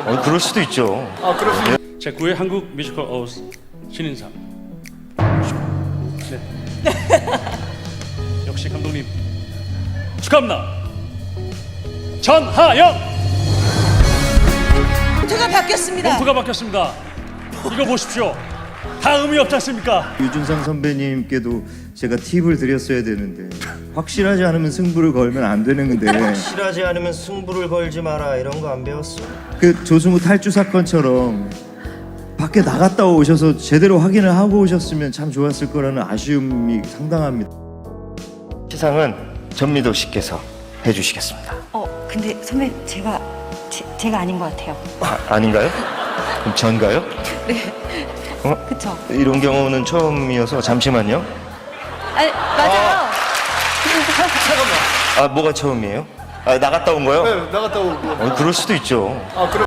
그럴 수도 있죠. 제9회 한국 뮤지컬 어워즈 신인상. 네. 역시 감독님 축하합니다. 전하영. 멘트가 바뀌었습니다. 멘트가 바뀌었습니다. 이거 보십시오. 다 의미 없지 않습니까? 유준상 선배님께도 제가 팁을 드렸어야 되는데 확실하지 않으면 승부를 걸면 안 되는 건데 확실하지 않으면 승부를 걸지 마라 이런 거 안 배웠어? 그 조승우 탈주 사건처럼 밖에 나갔다 오셔서 제대로 확인을 하고 오셨으면 참 좋았을 거라는 아쉬움이 상당합니다. 시상은 전미도 씨께서 해주시겠습니다. 근데 선배 제가 아닌 것 같아요. 아닌가요? 그럼 전가요? 그쵸? 이런 경우는 처음이어서 잠시만요. 아니 맞아요. 뭐가 처음이에요? 나갔다 온 거요? 네, 나갔다 오고. 그럴 수도 있죠.